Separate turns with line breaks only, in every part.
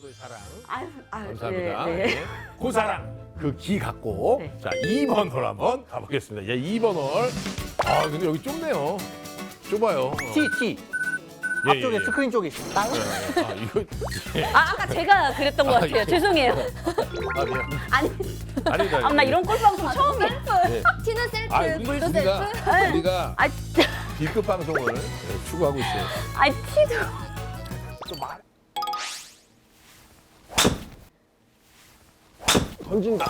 사랑.
아유,
감사합니다.
네, 네.
네. 그 사랑, 그 기 갖고.
네.
자, 2번 홀 한번 가보겠습니다. 예, 2번 홀. 아, 근데 여기 좁네요. 좁아요.
T.
예,
앞쪽에
예, 예.
스크린 쪽에 있습니다.
아, 이거. 예.
아까 제가 그랬던 것 같아요.
예.
죄송해요.
아, 미안.
아니,
아니다.
나 이런 꼴방송 처음이야.
네.
티는 셀프,
아,
물도
우리가,
셀프.
우리가
아,
B급 방송을 추구하고 있어요.
아, 티도.
좀 말. 던진다.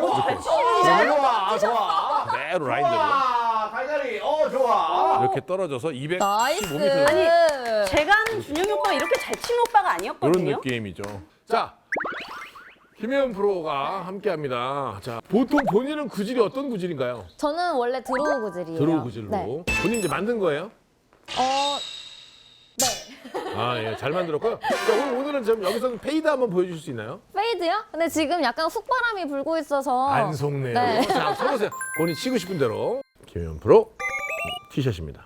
좋아.
그대로 라인대로.
갈갈이, 좋아.
이렇게 떨어져서 215m.
나이스.
아니, 제가 아는 준영이 오빠가 이렇게 잘 치는 오빠가
이런
아니었거든요.
느낌이죠. 자, 김혜연 프로가 함께합니다. 자, 보통 본인은 구질이 어떤 구질인가요?
저는 원래 드로우 구질이에요.
드로우 구질로.
네.
본인 이제 만든 거예요?
네.
아, 예, 잘 만들었고요. 자, 오늘은 좀 여기서 페이드 한번 보여주실 수 있나요?
페이드요? 근데 지금 약간 훅바람이 불고 있어서.
안 속네요.
네.
자, 서보세요. 본인 치고 싶은 대로. 김혜연 프로 티샷입니다.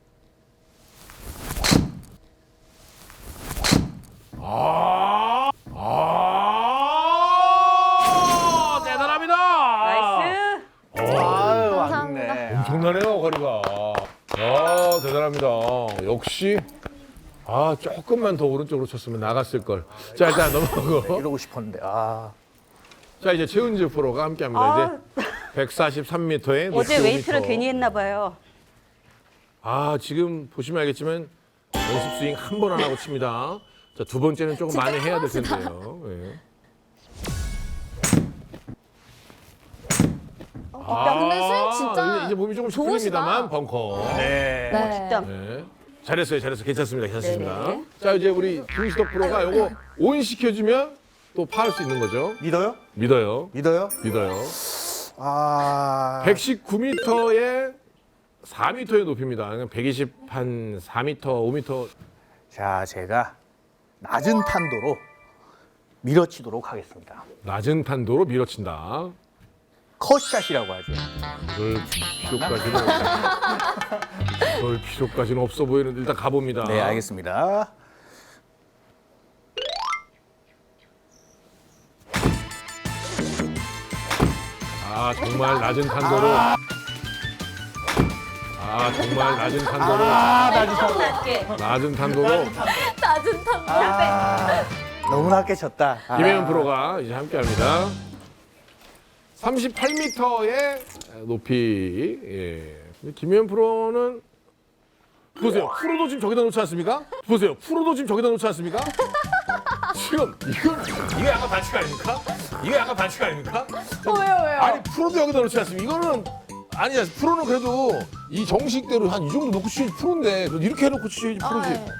대단합니다.
나이스.
아유,
감사합니다.
왔네.
엄청나네요, 거리가. 아, 대단합니다. 역시. 아, 조금만 더 오른쪽으로 쳤으면 나갔을 걸. 자, 일단 넘어가고.
이러고 싶었는데,
자, 이제 최은지 프로가 함께합니다. 이제 143m에
어제 웨이트를 괜히 했나 봐요.
아, 지금 보시면 알겠지만 연습 스윙 한 번 안 하고 칩니다. 자, 두 번째는 조금 많이 해야 될 텐데요. 예.
야, 근데 스윙 진짜
이제 몸이 조금씩
좋으시다.
풀립니다만 벙커.
네.
네.
진짜.
네. 잘했어요. 괜찮습니다. 괜찮습니다.
네네.
자, 이제 우리 김시덕 프로가 요거 온 시켜주면 또 파할 수 있는 거죠.
믿어요?
믿어요.
믿어요?
믿어요. 119m에 4m의 높이입니다. 120 한 4m, 5m.
자, 제가 낮은 탄도로 밀어치도록 하겠습니다.
낮은 탄도로 밀어친다.
컷샷이라고 하죠.
그럴 필요까지는 없어 보이는데 일단 가봅니다.
네, 알겠습니다.
아, 정말 낮은 탄도로. 아, 정말 낮은 탄도로.
낮게.
낮은 탄도로.
낮은 탐.
너무 낮게 쳤다.
김혜연 프로가 이제 함께합니다. 38m의 높이. 예. 근데 김혜연 프로는 보세요. 프로도 지금 저기다 놓지 않습니까? 보세요. 프로도 지금 저기다 놓지 않습니까? 지금 이거 약간 반칙 아닙니까? 이거 약간 반칙 아닙니까?
왜요?
아니 프로도 여기다 놓지 않습니까? 이거는 아니야. 프로는 그래도 이 정식대로 한 이 정도 놓고 치지 프로인데 그래도 이렇게 해놓고 치지 프로지.
네.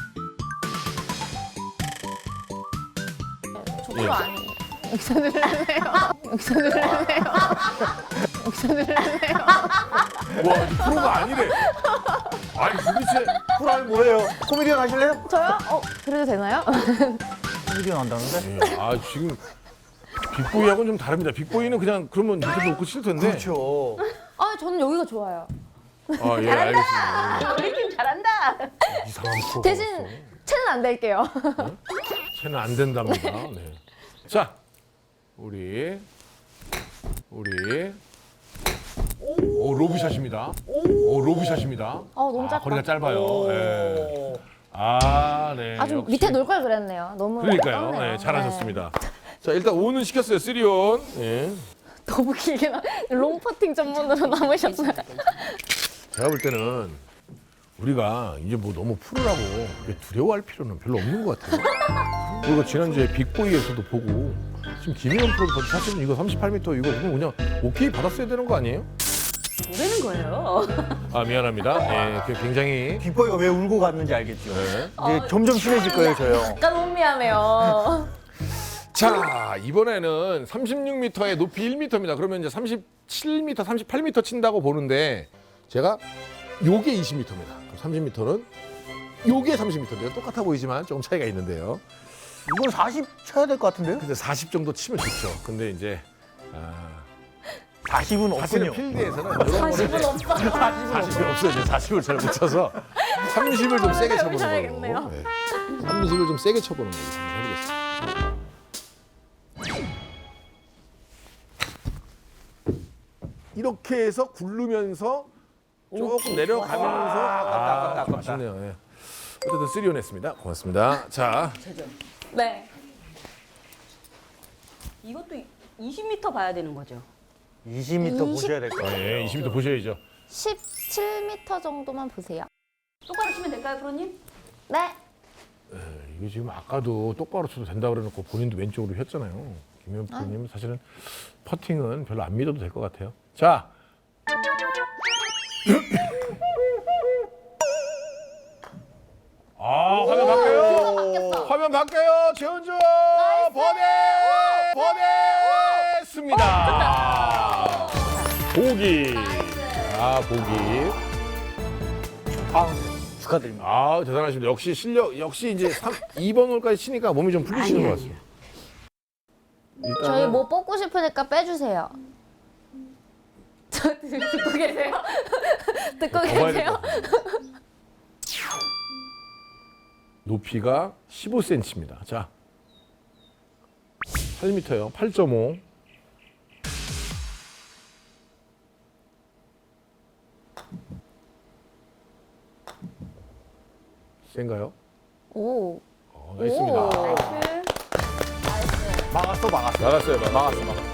저 프로 아니에요. 여기서 누르세요. 여기서 누르세요. 여기서 누르세요.
와, 이 프로가 아니래. 아니 도대체
프로 아니 뭐예요? 코미디언 하실래요?
저요? 그래도 되나요?
코미디언 한다는데?
아 지금 빅보이하고는 좀 다릅니다. 빅보이는 그냥 그러면 이렇게 놓고 칠 텐데.
그렇죠.
저는 여기가 좋아요.
아, 예, 알겠습니다.
우리 팀 잘한다.
이상한 프로가
대신
없어.
채는 안 될게요.
채는 안 된답니다. 네. 자, 우리 오, 로브샷입니다. 오, 로브샷입니다.
너무 짧다.
거리가 짧아요. 예. 아, 네.
좀
역시.
밑에 놓을 걸 그랬네요. 너무
그러니까요.
떴네요.
네, 잘하셨습니다. 자, 일단 온은 시켰어요. 3온. 예.
네. 너무 길게 롱퍼팅 전문으로 남으셨어요.
제가 볼 때는 우리가 이제 뭐 너무 프로라고 그렇게 두려워할 필요는 별로 없는 것 같아요. 그리고 지난주에 빅보이에서도 보고 지금 김혜연 프로도 사실은 이거 38m 이거 그냥 오케이 받았어야 되는 거 아니에요?
뭐라는 거예요?
아, 미안합니다. 예, 굉장히
빅보이가 왜 울고 갔는지 알겠죠?
네.
이제 점점 친해질 거예요, 저요.
약간 혼미하네요.
자, 이번에는 36m에 높이 1m입니다. 그러면 이제 37m, 38m 친다고 보는데 제가 요게 20m입니다. 30m는 요게 30m인데요. 똑같아 보이지만 조금 차이가 있는데요.
이건 40 쳐야 될 것 같은데요?
근데 40 정도 치면 좋죠. 근데 이제
40은
사실은
없군요.
필드에서는 이런 거를
40은 없어.
40이 없어요. 이제 40을 잘 못 쳐서 30을 좀 세게 쳐보는
해야겠네요.
걸로. 네. 30을 좀 세게 쳐보는 걸로 한번 해보겠습니다. 이렇게 해서 굴르면서 조금 내려가면서
아깝다.
아쉽네요. 예. 어쨌든 3온 했습니다. 고맙습니다. 자,
네. 이것도 20m 봐야 되는 거죠.
20m 보셔야 될 것 같아요.
예, 20m 보셔야죠.
17m 정도만 보세요.
똑바로 치면 될까요, 프로님?
네.
이게 지금 아까도 똑바로 쳐도 된다 그래놓고 본인도 왼쪽으로 휘었잖아요. 김현 프로님 사실은 퍼팅은 별로 안 믿어도 될 것 같아요. 자. 아, 화면 바뀌어요. 화면 바뀌어요. 최은주 버디 했습니다. 보기. 아, 보기.
축하드립니다.
아, 대단하십니다. 역시 실력, 역시 이제 2번 홀까지 치니까 몸이 좀 풀리시는 것 같습니다.
저희 뭐 뽑고 싶으니까 빼주세요.
저 듣고 계세요?
듣고
더 봐야 될것
계세요?
같아요. 높이가 15cm입니다. 자, 8m요. 8.5. 센가요?
오.
나이스입니다.
나이스.
막았어.
막았어요. 막았어.